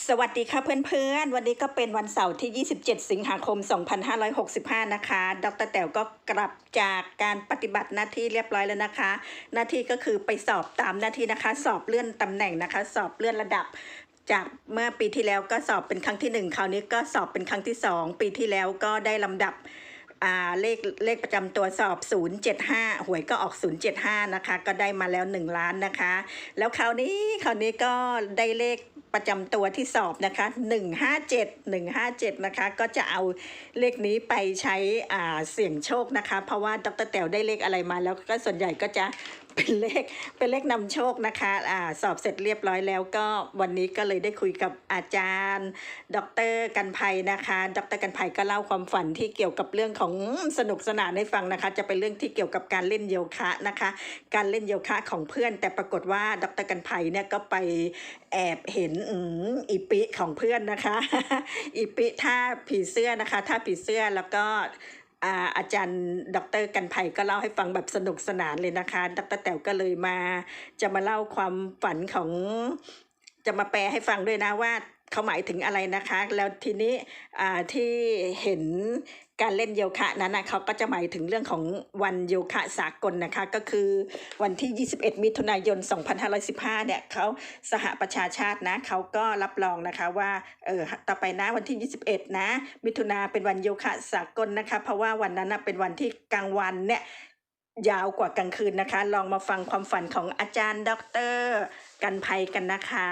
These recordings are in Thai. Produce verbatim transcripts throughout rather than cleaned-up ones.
สวัสดีค่ะเพื่อนๆวันนี้ก็เป็นวันเสาร์ที่ ยี่สิบเจ็ด สิงหาคม สองพันห้าร้อยหกสิบห้า นะคะ ดรแต๋วก็กลับจากการปฏิบัติหน้าที่เรียบร้อยแล้วนะคะ หน้าที่ก็คือไปสอบตามหน้าที่นะคะ สอบเลื่อนตำแหน่งนะคะ สอบเลื่อนระดับ จากเมื่อปีที่แล้วก็สอบเป็นครั้งที่หนึ่งคราวนี้ก็สอบเป็นครั้งที่สองปีที่แล้วก็ได้ลำดับอ่าเลขเลขประจำตัวสอบ ศูนย์ เจ็ด ห้า หวยก็ออก ศูนย์ เจ็ด ห้า นะคะก็ได้มาแล้วหนึ่งล้านนะคะแล้วคราวนี้คราวนี้ก็ได้เลขประจำตัวที่สอบนะคะหนึ่ง ห้า เจ็ด หนึ่ง ห้า เจ็ดนะคะก็จะเอาเลขนี้ไปใช้อ่าเสี่ยงโชคนะคะเพราะว่าดรแต๋วได้เลขอะไรมาแล้วก็ส่วนใหญ่ก็จะเป็นเลขเป็นเลขนำโชคนะคะอ่าสอบเสร็จเรียบร้อยแล้วก็วันนี้ก็เลยได้คุยกับอาจารย์ ดรกันภัยนะคะดรกันภัยก็เล่าความฝันที่เกี่ยวกับเรื่องของสนุกสนานให้ฟังนะคะจะเป็นเรื่องที่เกี่ยวกับการเล่นโยคะนะคะการเล่นโยคะของเพื่อนแต่ปรากฏว่าดรกันภัยเนี่ยก็ไปแอบเห็นอืมอีปิของเพื่อนนะคะ อีปิท่าผีเสื้อนะคะท่าผีเสื้อแล้วก็อาอาจารย์ดรกันภัยก็เล่าให้ฟังแบบสนุกสนานเลยนะคะดรแต๋วก็เลยมาจะมาเล่าความฝันของจะมาแปลให้ฟังด้วยนะว่าเขาหมายถึงอะไรนะคะแล้วทีนี้อ่าที่เห็นการเล่นโยคะนั้นนะเขาก็จะหมายถึงเรื่องของวันโยคะสากลนะคะก็คือวันที่ยี่สิบเอ็ดมิถุนายนสองพันห้าร้อยสิบห้าเนี่ยเขาสหประชาชาตินะเขาก็รับรองนะคะว่าเออต่อไปนะวันที่ยี่สิบเอ็ดนะมิถุนาเป็นวันโยคะสากลนะคะเพราะว่าวันนั้นนะเป็นวันที่กลางวันเนี่ยยาวกว่ากลางคืนนะคะลองมาฟังความฝันของอาจารย์ดรกันภัยกันนะคะ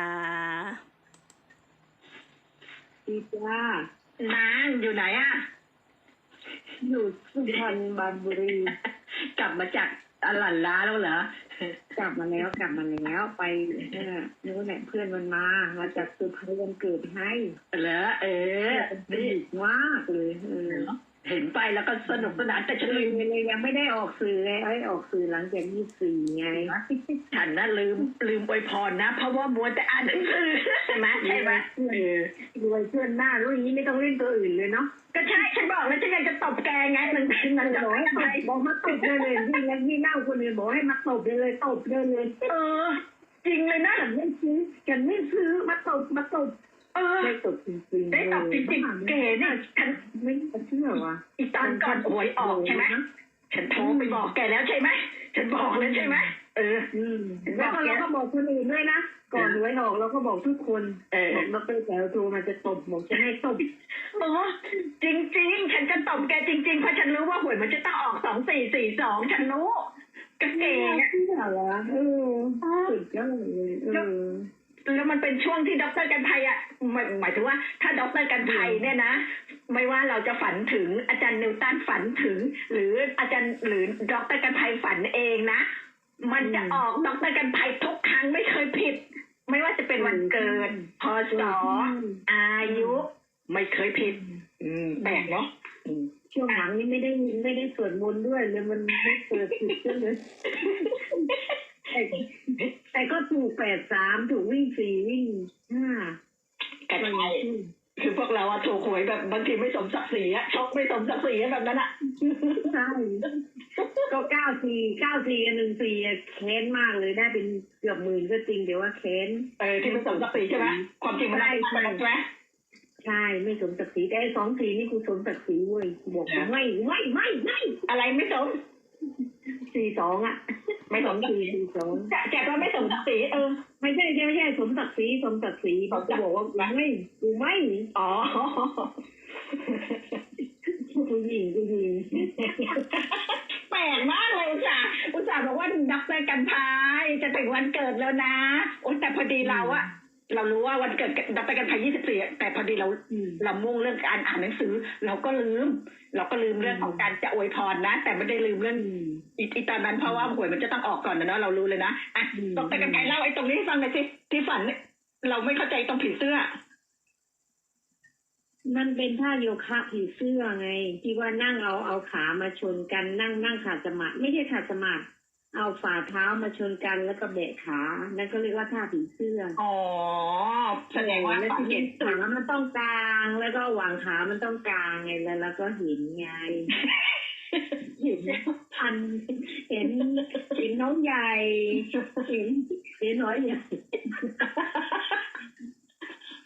ดีจ้านางอยู่ไหนอะอยู่สุพรรณบุรีกลับมาจากอลันล้าแล้วเหรอกลับมาแล้วกลับมาแล้วไปเออนู้นแหละเพื่อนมันมามาจากสุพรรณวันเกิดให้เหรอเออดีมากเลยเออเห็นไปแล้วก็สนุกสนานแต่ฉันลืมเลยยังไม่ได้ออกสื่อเลยไอ้ออกสื่อหลังจากยี่สิบสี่ไงฉันน่ะลืมลืมอวยพรนะเพราะว่ามัวแต่อ่านหนังสือใช่ไหมใช่ไหมเออรวยเพื่อนหน้ารู้อย่างนี้ไม่ต้องเล่นตัวอื่นเลยเนาะก็ใช่ฉันบอกแล้วฉันอยากจะตบแกไงมันมันจะบอกให้บอกมาตบเลยเลยที่แล้วที่เล่าคนอื่นบอกให้มาตบเลยเลยตบเลยเลยเออจริงเลยนะฉันไม่ซื้อฉันไม่ซื้อมาตบมาตบเออได้ตบจริงๆได้ตบจริงๆเก๋เนี่ยฉันไม่เชื่อว่ะอีตอนก่อนหวยออกใช่ไหมฉันโทรไปบอกแกแล้วใช่ไหมฉันบอกแล้วใช่ไหมเออแล้วก็เราก็บอกคนอื่นด้วยนะก่อนหวยออกเราก็บอกทุกคนบอกดรแต๋วโทรมาจะตบบอกจะให้ตบโอ้จริงๆฉันจะตบแกจริงๆเพราะฉันรู้ว่าหวยมันจะต้องออกสองสี่สี่สองฉันรู้ก็เก๋ที่ไหนวะเออสุดยอดเลยเออแล้วมันเป็นช่วงที่ดรกันภัยอ่ะหมายหมายถึงว่าถ้าดรกันภัยเนี่ยนะไม่ว่าเราจะฝันถึงอาจารย์นิวตันฝันถึงหรืออาจารย์หรือดรกันภัยฝันเองนะมันจะออกดรกันภัยทุกครั้งไม่เคยผิดไม่ว่าจะเป็นวันเกิดพศอายุไม่เคยผิดอืมแปลกเนาะช่วงหลังนี้ไม่ได้ไม่ได้สวดมนต์ด้วยเลยมันไม่เกิดผิดเลยแต่ก็ถูกแปดสามถูกวิ่งสี่วิ่งห้ากันไปคือพวกเราอะถูกหวยแบบบางทีไม่สมศักดิ์ศรีอะช็อกไม่สมศักดิ์ศรีแบบนั้นอะใช่ก็เก้าสี่เก้าสี่กับหนึ่งสี่แค้นมากเลยได้เป็นเกือบหมื่นก็จริงเดี๋ยวว่าแค้นเออที่ไม่สมศักดิ์ศรีใช่ไหมความจริงมันได้ใช่ไหมใช่ไม่สมศักดิ์ศรีแต่สองสี่นี่กูสมศักดิ์ศรีเว้ยบอกไม่ไม่ไม่ไม่อะไรไม่สมสี่สองอ่ะไม่สมสี่สี่สองจะแกก็ไม่สมศักดิ์ศรีเออไม่ใช่ไม่ใช่สมศักดิ์ศรีสมศักดิ์ศรีเขาจะบอกว่าไม่กูไม่อ๋อผู้หญิงผู้หญิงแปลกมากเลยอุตส่าห์อุตส่าห์บอกว่าดรกันพายจะถึงวันเกิดแล้วนะโอ้แต่พอดีเราอะเรารู้ว่าวันเกิดดรกันพายยี่สิบสี่แต่พอดีเราเรามุ่งเรื่องการอ่านหนังสือเราก็ลืมเราก็ลืมเรื่องของการจะอวยพรนะแต่ไม่ได้ลืมเรื่องอีตอนนั้นเพราะว่าหวยมันจะต้องออกก่อนนะเนาะเรารู้เลยนะอ่ะดรกันพายเล่าไอ้ตรงนี้ให้ฟังหน่อยสิที่ฝันเราไม่เข้าใจตรงผีเสื้อมันเป็นท่าโยคะผีเสื้อไงที่ว่านั่งเอาเอาขามาชนกันนั่งนั่งขาดสมาธิไม่ใช่ขาดสมาธิเอาฝ่าเท้ามาชนกันแล้วก็แบะขานั่นก็เรียกว่าท่าผีเสื้ออ๋อแสดงว่าแล้วที่ขามันต้องกลางแล้วก็หว่างขามันต้องกลางไงแล้วแล้วก็เห็นไงเห็นพันเห็นเห็นน้องใหญ่เห็นเห็นน้อยใหญ่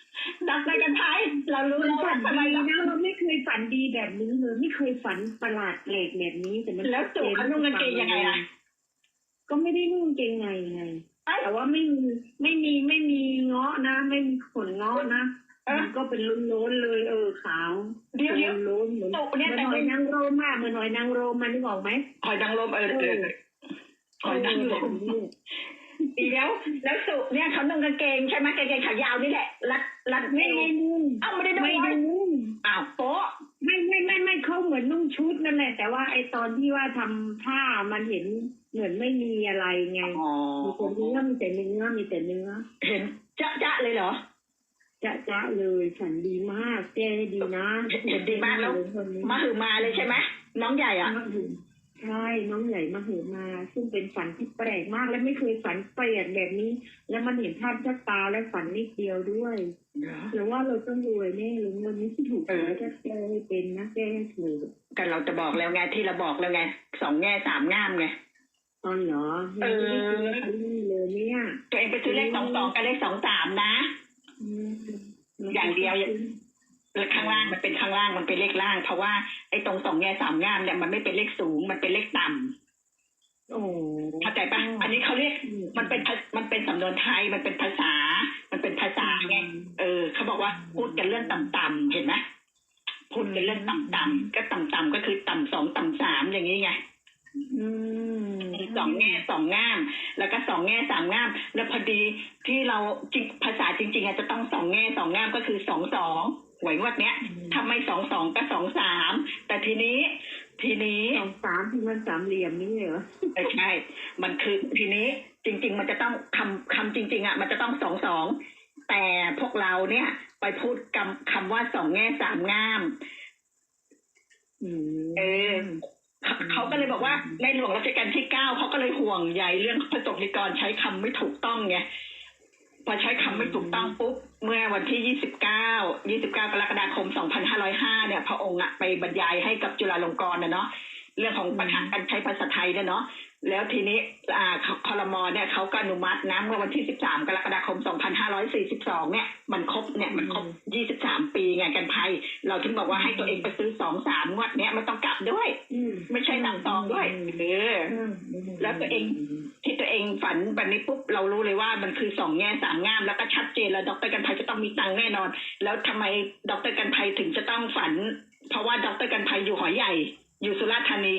ดรกันไทยเรารู้แล้วฝัว่าน ทำไมดีเรานะเราไม่เคยฝันดีแบบนี้เลยไม่เคยฝันประหลาดแปลกแบบนี้แต่มันแล้วสุเขานุ่งกางเกงยังไงล่ะก็ไม่ได้นุ่งกางเกงในไง แต่ว่าไม่มีไม่มีไม่มีเงาะนะ ไม่มีขนเงาะนะมันก็เป็นล้นๆเลย เออขาวเดี๋ยวเดี๋ยวล้นๆเหมือนสุเนี่ยเหมือนแต่หอเป็ยนนางรมอะเหมือนหอยนางรมมันนึกออกไหมหอยนางรมเออเออหอยนางรมเดี๋ยวแล้วสุเนี่ยเขานุ่งกางเกงใช่ไหมกางเกงขายาวนี่แหละรัดรัดไม่เอวได้นุ่งเอ้าไม่ได้นุ่งไม่ได้นุ่งอ้าวโป๊ะไม่ไม่ไม่ไม่เขาเหมือนนุ่งชุดนั่นแหละ แต่ว่าไอตอนที่ว่าทำผ้ามันเห็นเหมือนไม่มีอะไรไงอ๋อมีแต่เนื้อมีแต่เนื้อมีแต่เนื้อเห็นจ๊ะจ๊ะเลยเหรอจะจะเลยฝันดีมากแก้ให้ดีนะเห็นดีมากแล้วคนนี้มาหือมาเลยใช่ไหมน้องใหญ่อ่ะมาหือใช่น้องใหญ่มาหือมา ซึ่งเป็นฝันที่แปลกมากและไม่เคยฝันแปลกแบบนี้ แล้วมันเห็นภาพชัดตาและฝันนิดเดียวด้วยหรือว่าเราต้องรวยแน่หรือวันนี้ที่ถูกเออแล้วจะแก้ให้เป็นนะแก้ให้ถูกกันเราจะบอกแล้วไงที่เราบอกแล้วไงสองแง่สามง่ามไงตอนเหรอเออไม่ได้ซื้อนี่เลยเนี่ยตัวเองไปซื้อเลขสองสองกับเลขสองสามนะอืมอย่างเดียว แล้วข้างล่างมันเป็นข้างล่างมันเป็นเลขล่าง เพราะว่าไอ้ตรงสองแง่สามง่ามเนี่ยมันไม่เป็นเลขสูงมันเป็นเลขต่ำโอ้เข้าใจปะอันนี้เขาเรียกมันเป็นภามันเป็นสำนวนไทยมันเป็นภาษา มันเป็นภาษาไงเออเขาบอกว่าพูดกันเรื่องต่ำๆเห็นไหมพูดกันเรื่องต่ำๆก็ต่ำๆก็คือต่ำสองต่ำสามอย่างนี้ไงอืมสองแง่สองง่าม แล้วก็สองแง่สามง่าม แล้วพอดีที่เราจริงภาษาจริงๆอาจจะต้องสองแง่สองง่ามก็คือสองสองหวยงวดเนี้ยทำไมสองสองก็สองสามแต่ทีนี้ ทีนี้สองสามที่มันสามเหลี่ยมนี่เหรอไม่ใช่ มันคือทีนี้จริง ๆ มันจะต้องคำคำจริง ๆอ่ะมันจะต้องสองสองแต่พวกเราเนี่ย ไปพูดคำคำว่าสองแง่สามง่ามอืมเออเขาเขาก็เลยบอกว่าในหลวงรัชกาลที่เก้าเขาก็เลยห่วงใยเรื่องพระสงฆ์นิกรใช้คำไม่ถูกต้องไงพอใช้คำไม่ถูกต้องปุ๊บเมื่อวันที่ยี่สิบเก้า ยี่สิบเก้ากรกฎาคมสองพันห้าร้อยห้าเนี่ยพระองค์อะไปบรรยายให้กับจุฬาลงกรณ์นะเนาะเรื่องของปัญหาการใช้ภาษาไทยเนี่ยเนาะแล้วทีนี้อ่าครม.เนี่ยเขาก็อนุมัตินะเมื่อวันที่สิบสามกรกฎาคมสองพันห้าร้อยสี่สิบสองเนี่ยมันครบเนี่ยมันครบยี่สิบสามปีไงกันภัยเราถึงบอกว่าให้ตัวเองไปซื้อสองสามงวดเนี้ยมันต้องกลับด้วยอืมไม่ใช่หนังตองด้วยเออ แล้วตัวเอง ที่ตัวเองฝันแบบนี้ปุ๊บเรารู้เลยว่ามันคือสองแง่สามง่ามแล้วก็ชัดเจนแล้วดรกันภัยจะต้องมีตังค์แน่นอน แล้วทำไมดรกันภัยถึงจะต้องฝัน เพราะว่าดรกันภัยอยู่หอยใหญ่ อยู่สุราษฎร์ธานี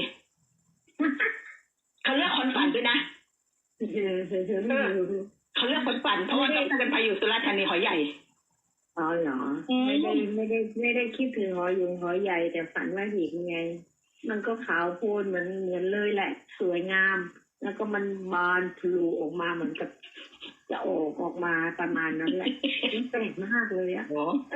เขาเลือกคนฝันด้วยนะเขาเลือกคนฝันเพราะว่าดรกันภัยอยู่สุราษฎร์ธานีหอยใหญ่อ๋อเหรออืมไม่ได้ไม่ได้ไม่ได้คิดถึงหอยยุงหอยใหญ่แต่ฝันว่าเห็นไง มันก็ขาวโพลนเหมือนเหมือนเลยแหละ สวยงาม แล้วก็มันบานพลูออกมาเหมือนกับ จะออกออกมาประมาณนั้นแหละมันแปลกมากเลยอะโอ้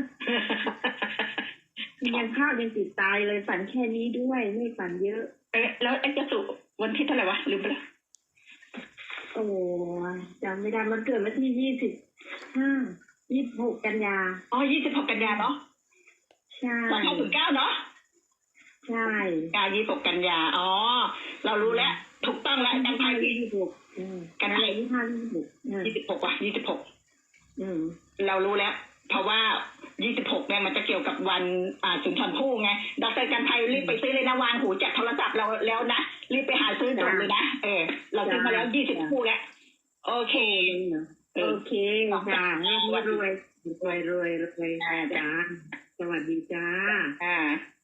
ยังภาพยังติดตายเลยฝันแค่นี้ด้วยไม่ฝันเยอะเอ๊ะแล้วไอ้เจะสุวันที่เท่าไหร่วะลืมไปแล้วโอ้ยจำไม่ได้มันเกิดวันที่ยี่สิบห้ายี่สิบหกกันยาอ๋อยี่สิบหกกันยาเนาะใช่สองพันสิบเก้าเนาะใช่กายี่สิบหกกันยา อ๋อ เรารู้แล้ว ถูกต้องแล้วกันภัยยี่สิบหกกันยายี่สิบห้ายี่สิบหกยี่สิบหกว่ะยี่สิบหกอืมเรารู้แล้ว เพราะว่ายี่สิบหกเนี่ยมันจะเกี่ยวกับวันอ่าสุนทรภู่ไงดรกันภัยรีบไปซื้อเลยนะวางหูจากโทรศัพท์เราแล้วนะ รีบไปหาซื้อด่วนเลยนะ เออ เราซื้อมาแล้วยี่สิบคู่แล้ว โอเคโอเคจ้ารวยรวยรวยรวยรวยจ้าสวัสดีจ้าอ่า